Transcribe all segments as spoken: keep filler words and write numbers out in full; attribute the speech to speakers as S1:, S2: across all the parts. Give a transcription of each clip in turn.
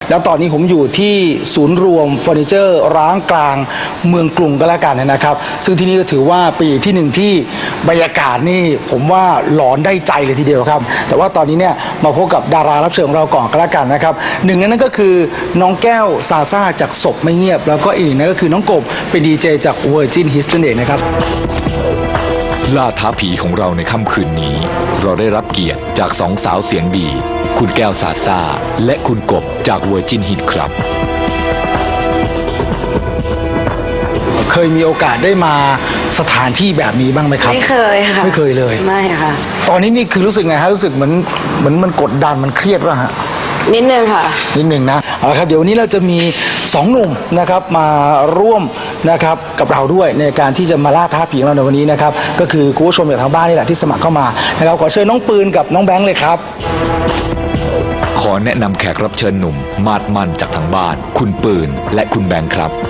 S1: แล้วตอนนี้ผมอยู่ที่ศูนย์รวมเฟอร์นิเจอร์ร้างกลางเมืองกรุงก็แล้วกันนะครับซึ่งที่นี่ก็ถือว่าเป็นอีกที่หนึ่งที่บรรยากาศนี่ผมว่าหลอนได้ใจเลยทีเดียวครับแต่ว่าตอนนี้เนี่ยมาพบกับดารารับเชิญของเราก่อนก็แล้วกันนะครับหนึ่งในนั้นก็คือน้องแก้วซาซ่าจากศพไม่เงียบแล้วก็อีกนั่นก็คือน้องกบเป็นดีเจจาก Virgin Hits นั่นเองนะครับ
S2: ล่าท้าผีของเราในค่ำคืนนี้เราได้รับเกียรติจากสองสาวเสียงดีคุณแก้วซาซ่าและคุณกบจาก Virgin Hits ครับ
S1: เคยมีโอกาสได้มาสถานที่แบบนี้บ้างไหมครับ
S3: ไม่เคยค่ะ
S1: ไม่เคยเลย
S3: ไม่ค่ะ
S1: ตอนนี้นี่คือรู้สึกไงฮะรู้สึกเหมือนเหมือนมันกดดันมันเครียดป่ะฮะ
S3: นิดนึงค่ะ
S1: นิดนึงนะเอาละครับเดี๋ยววันนี้เราจะมีสองหนุ่มนะครับมาร่วมนะครับกับเราด้วยในการที่จะมาล่าท้าผีของเราในวันนี้นะครับก็คือคุณผู้ชมจากทางบ้านนี่แหละที่สมัครเข้ามานะครับขอเชิญน้องปืนกับน้องแบงค์เลยครับ
S2: ขอแนะนำแขกรับเชิญหนุ่มมาดมันจากทางบ้านคุณปืนและคุณแบงค์ครับ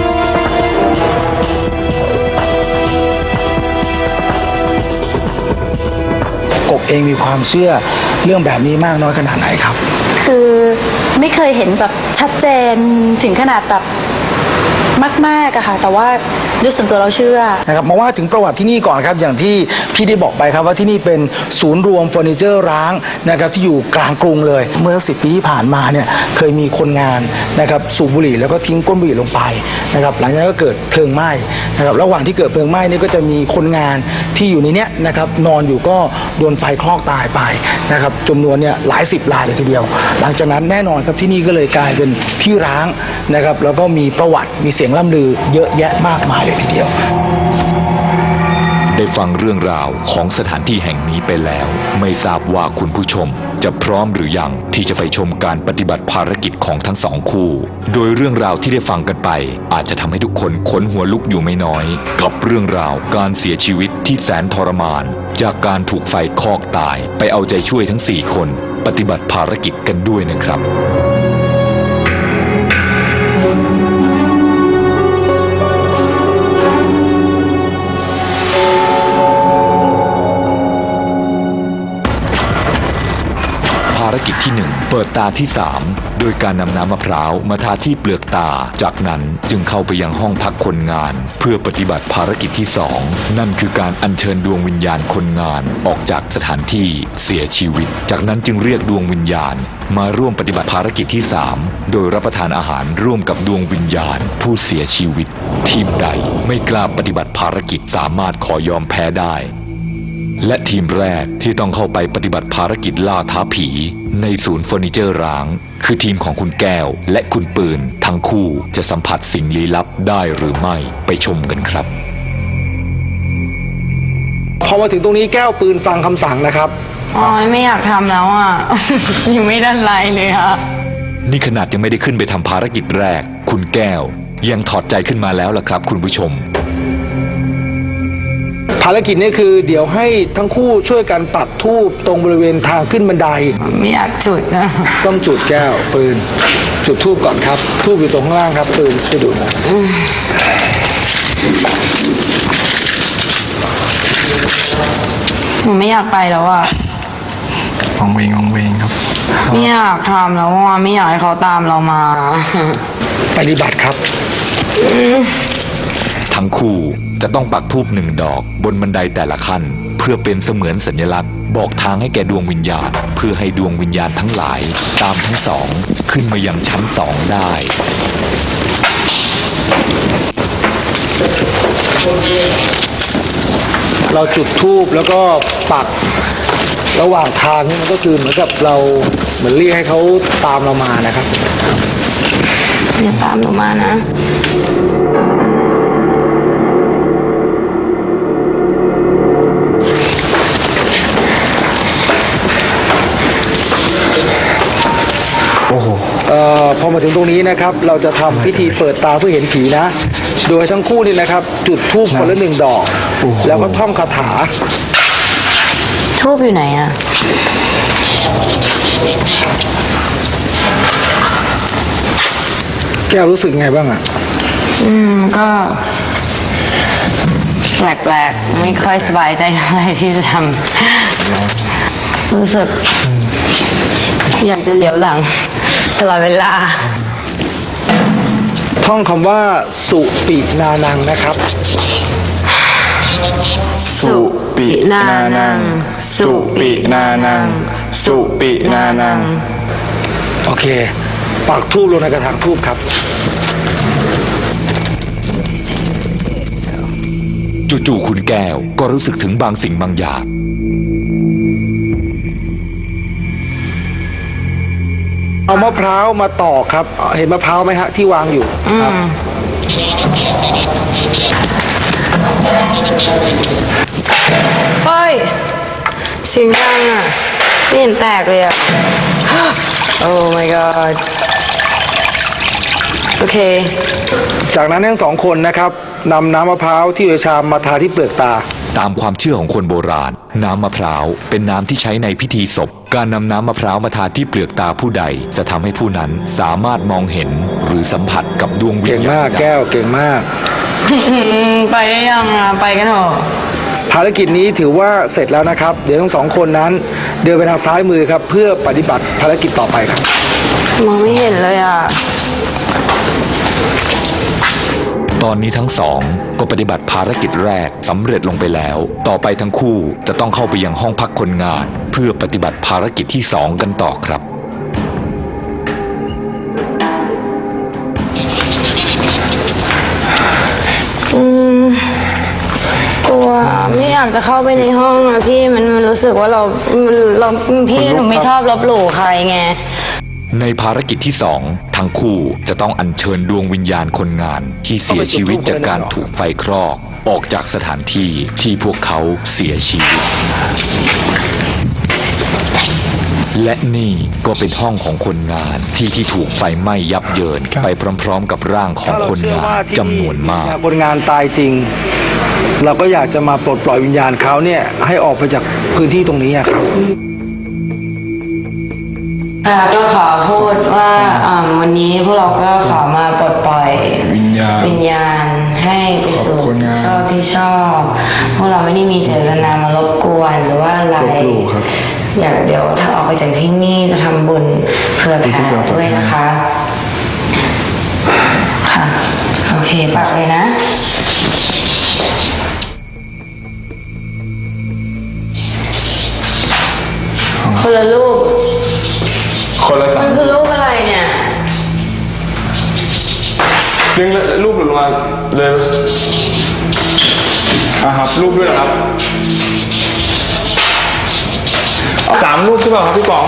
S1: กบเองมีความเชื่อเรื่องแบบนี้มากน้อยขนาดไหนครับ
S3: คือไม่เคยเห็นแบบชัดเจนถึงขนาดแบบมากๆอะค่ะแต่ว่าด้วยส่วนตัวเราเชื่อ
S1: นะครับมาว่าถึงประวัติที่นี่ก่อนครับอย่างที่พี่ได้บอกไปครับว่าที่นี่เป็นศูนย์รวมเฟอร์นิเจอร์ร้างนะครับที่อยู่กลางกรุงเลยเมื่อสิบปีที่ผ่านมาเนี่ยเคยมีคนงานนะครับสูบบุหรี่แล้วก็ทิ้งก้นบุหรี่ลงไปนะครับหลังจากนั้นก็เกิดเพลิงไหม้นะครับระหว่างที่เกิดเพลิงไหม้นี่ก็จะมีคนงานที่อยู่ในเนี้ยนะครับนอนอยู่ก็โดนไฟคลอกตายไปนะครับจำนวนเนี่ยหลายสิบรายเลยทีเดียวหลังจากนั้นแน่นอนครับที่นี่ก็เลยกลายเป็นที่ร้างนะครับแล้วก็มีประวัติมีเสียงล่ำลือเยอะแยะมากมายเลยทีเดียว
S2: ได้ฟังเรื่องราวของสถานที่แห่งนี้ไปแล้วไม่ทราบว่าคุณผู้ชมจะพร้อมหรือยังที่จะไปชมการปฏิบัติภารกิจของทั้งสองคู่โดยเรื่องราวที่ได้ฟังกันไปอาจจะทำให้ทุกคนขนหัวลุกอยู่ไม่น้อยกับเรื่องราวการเสียชีวิตที่แสนทรมานจากการถูกไฟคลอกตายไปเอาใจช่วยทั้งสี่คนปฏิบัติภารกิจกันด้วยนะครับภารกิจที่หนึ่งเปิดตาที่สามโดยการนำน้ำมะพร้าวมาทาที่เปลือกตาจากนั้นจึงเข้าไปยังห้องพักคนงานเพื่อปฏิบัติภารกิจที่สองนั่นคือการอัญเชิญดวงวิญญาณคนงานออกจากสถานที่เสียชีวิตจากนั้นจึงเรียกดวงวิญญาณมาร่วมปฏิบัติภารกิจที่สามโดยรับประทานอาหารร่วมกับดวงวิญญาณผู้เสียชีวิตทีมใดไม่กล้าปฏิบัติภารกิจสามารถขอยอมแพ้ได้และทีมแรกที่ต้องเข้าไปปฏิบัติภารกิจล่าท้าผีในศูนย์เฟอร์นิเจอร์ร้างคือทีมของคุณแก้วและคุณปืนทั้งคู่จะสัมผัสสิ่งลี้ลับได้หรือไม่ไปชมกันครับ
S1: พอมาถึงตรงนี้แก้วปืนฟังคำสั่งนะครับ
S3: อ๋อไม่อยากทำแล้วอ่ะ ยังไม่ได้ไรเลยค่ะ
S2: นี่ขนาดยังไม่ได้ขึ้นไปทำภารกิจแรกคุณแก้วยังถอดใจขึ้นมาแล้วล่ะครับคุณผู้ชม
S1: ภารกิจนี้คือเดี๋ยวให้ทั้งคู่ช่วยกันปักธูปตรงบริเวณทางขึ้นบันได
S3: ไม่อยากจุดนะ
S1: ต้องจุดแก้วปืนจุดธูปก่อนครับธูปอยู่ตรงข้างล่างครับปืนช่วยดูนะ
S3: หนูไม่อยากไปแล้วอ่ะ
S1: วางเวงวางเวงครับ
S3: ไม่อยากทำแล้วอ่ะไม่อยากให้เขาตามเรามา
S1: ปฏิบัติครับ
S2: ทั้งคู่จะต้องปักธูปหนึ่งดอกบนบันไดแต่ละขั้นเพื่อเป็นเสมือนสัญลักษณ์บอกทางให้แก่ดวงวิญญาณเพื่อให้ดวงวิญญาณทั้งหลายตามทั้งสองขึ้นมายังชั้นสองได้
S1: เราจุดธูปแล้วก็ปักระหว่างทางนี่มันก็คือเหมือนกับเราเหมือนเรียกให้เขาตามเรามานะครับ
S3: อย่าตามหนูมานะ
S1: โอ้โหเอ่อพอมาถึงตรงนี้นะครับเราจะทำพิธีเปิดตาเพื่อเห็นผีนะโดยทั้งคู่นี่นะครับจุดธูปคนละหนึ่งดอกแล้วก็ท่องคาถา
S3: ธูปอยู่ไหนอะ
S1: แก้วรู้สึกไงบ้างอะ
S3: อืมก็แปลกๆไม่ค่อยสบายใจเท่าไหร่ที่จะทำรู้สึกอยากจะเหลียวหลัง
S4: ตลอดเวลา
S1: ท่องคำว่าสุปินานังนะครับ
S4: สุปินานัง สุปินานัง สุปินานัง
S1: โอเค ปักทูบลงในกระถางทูบครับ
S2: จู่ๆคุณแก้วก็รู้สึกถึงบางสิ่งบางอย่าง
S1: เอามะพร้าวมาตอกครับ เห็นมะพร้าวไหมฮะที่วางอยู่ครับ
S4: เฮ้ยเสียงดังอ่ะไม่เห็นแตกเลยอ่ะ โอ้ my god โอเค
S1: จากนั้นทั้งสองคนนะครับนำน้ำมะพร้าวที่อยู่ในชามมาทาที่เปลือกตา
S2: ตามความเชื่อของคนโบราณ น้ำมะพร้าวเป็นน้ำที่ใช้ในพิธีศพ การนำน้ำมะพร้าวมาทาที่เปลือกตาผู้ใด จะทำให้ผู้นั้นสามารถมองเห็นหรือสัมผัสกับดวงวิ
S1: เก่
S2: ญ
S1: ง
S2: ญาณ
S1: มากแก้วเก่งมาก
S4: ไปได้ยังอ่ะ ไปกันเถอะ
S1: ภารกิจนี้ถือว่าเสร็จแล้วนะครับ เดี๋ยวทั้งสองคนนั้น เดินไปทางซ้ายมือครับ เพื่อปฏิบัติภารกิจต่อไปครับ
S4: มองไม่เห็นเลยอ่ะ
S2: ตอนนี้ทั้งสองก็ปฏิบัติภารกิจแรกสำเร็จลงไปแล้ว ต่อไปทั้งคู่จะต้องเข้าไปยังห้องพักคนงาน เพื่อปฏิบัติภารกิจที่สองกันต่อครับ
S4: อืมกลัวไม่อยากจะเข้าไปในห้องอะพี่มันมันรู้สึกว่าเรามันเราพี่หนูไม่ชอบลบหลู่ใครไง
S2: ในภารกิจที่สองทั้งคู่จะต้องอัญเชิญดวงวิญญาณคนงาน ที่เสียชีวิตจากการถูกไฟคลอกออกจากสถานที่ที่พวกเขาเสียชีวิต และนี่ก็เป็นห้องของคนงานที่ที่ถูกไฟไหม้ยับเยินไปพร้อมๆกับร่างของคนงานจำนวนมาก
S1: คนงานตายจริง เราก็อยากจะมาปลดปล่อยวิญญาณเขาเนี่ยให้ออกไปจากพื้นที่ตรงนี้อะครับ
S4: ค่ะก็ขอพูดว่าอ่าวันนี้พวกเราก็ขอมาปลดปล่อย
S5: วิญญาณ
S4: วิญญาณให้ไปสู่
S5: ขอบคุณ
S4: ที่
S5: นะ
S4: ชอบที่ชอบ พวกเราไม่ได้มีเจตนามารบกวนหรือว่าอะไร
S5: ลบหลู่ครับ
S4: อยากเดี๋ยวถ้าออกไปจากที่นี่จะทำบุญเผื่อแผ่ด้วยนะคะ ค่ะ โอเคปักเลยนะ คนละรูป
S5: คนละสา
S4: มั
S5: ม
S4: นคือรูปอะไรเนี่ย
S5: ดึงรูปหลุดลงมาเลยอ่ะครับ รูปด้วยเหรอครับสามรูปใช่ป่ะครับพี่ป๋อง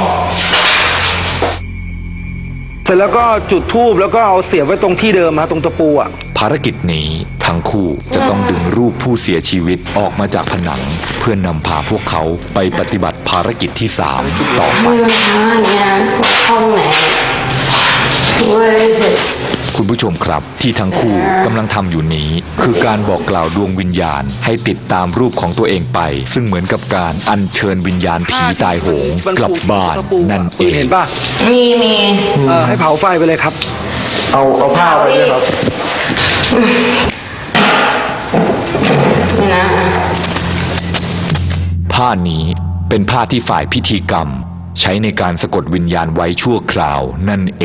S1: เสร็จแล้วก็จุดธูปแล้วก็เอาเสียบไว้ตรงที่เดิมฮะตรงตะปูอ่ะ
S2: ภารกิจนี้ทั้งคู่จะต้องดึงรูปผู้เสียชีวิตออกมาจากผนัง เพื่อนนำพาพวกเขาไปปฏิบัติภารกิจที่สามต่อไป
S4: ไม่มันช้าอย่างเงี้ยห้องไหน Where is it
S2: คุณผู้ชมครับที่ทั้งคู่กำลังทำอยู่นี้ คือการบอกกล่าวดวงวิญญาณ ให้ติดตามรูปของตัวเองไป ซึ่งเหมือนกับการอัญเชิญวิญญาณผีตายโหงกลับบ้านนั่นเอง
S1: เห็นป่ะ
S4: มีมี
S1: เออให้เผาไฟไปเลยครับ
S5: เอาเอาผ้าไว้ด้วยครับ
S4: ไม่นะ
S2: ผ้านี้เป็นผ้าที่ฝ่ายพิธีกรรม ใช้ในการสะกดวิญญาณไว้ชั่วคราวนั่นเอง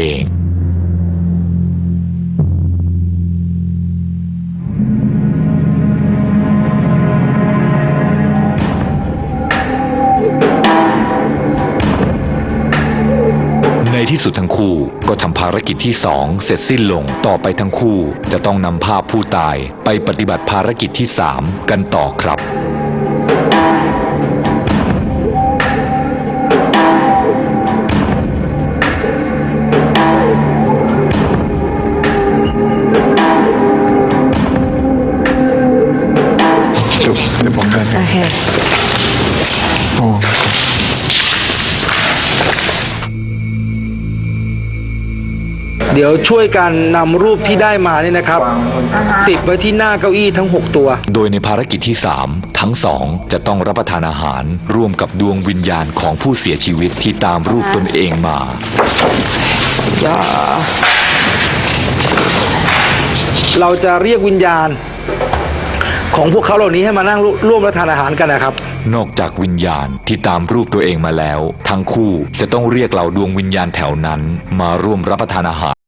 S2: ในที่สุดทั้งคู่ก็ทำภารกิจที่สองเสร็จสิ้นลงต่อไปทั้งคู่จะต้องนำภาพผู้ตายไปปฏิบัติภารกิจที่สามกันต่อครับ
S5: จบเดี๋ยวผมกัน
S4: โอเค
S5: โอ้
S1: เดี๋ยวช่วยกันนำรูปที่ได้มาเนี่ยนะครับ ติดไว้ที่หน้าเก้าอี้ทั้งหกตัว
S2: โดยในภารกิจที่สามทั้งสองจะต้องรับประทานอาหารร่วมกับดวงวิญญาณของผู้เสียชีวิตที่ตามรูปตนเองมา
S1: เราจะเรียกวิญญาณของพวกเขาเหล่านี้ให้มานั่งร่วมรับประทานอาหารกันนะครับ
S2: นอกจากวิญญาณที่ตามรูปตัวเองมาแล้ว ทั้งคู่จะต้องเรียกเหล่าดวงวิญญาณแถวนั้นมาร่วมรับประทานอาหาร